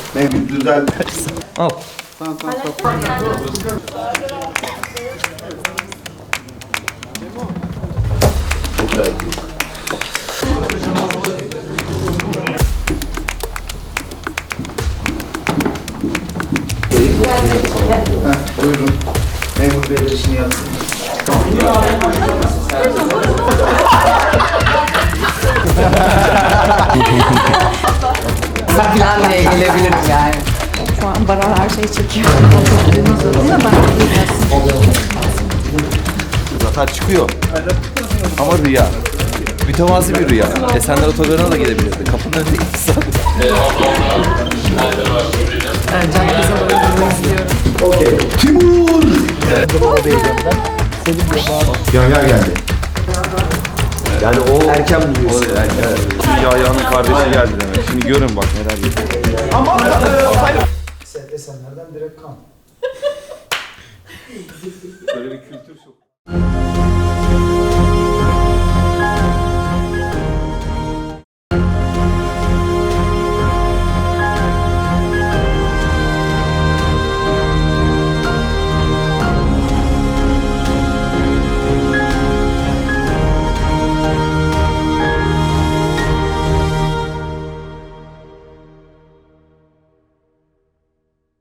Mevlüt düzel. Al. Tamam. Buyurun. Memur Bey de işini yapsın. Falan bile gelebilirim yani. Şu an Baran her şeyi çekiyor. Zafer çıkıyor. Ama rüya. Mütevazi bir rüya. Esenler Otogarı'na da gidebilirdi. Kapının önünde 2 saat. Can kısa oyunu izliyorum. Timur! Yahya geldi. Yani o erken buluyorsun. Yahya'nın kardeşi geldi demek. Şimdi görün bak neler yapıyor. Esenlerden direkt kan. Böyle bir kültür çok.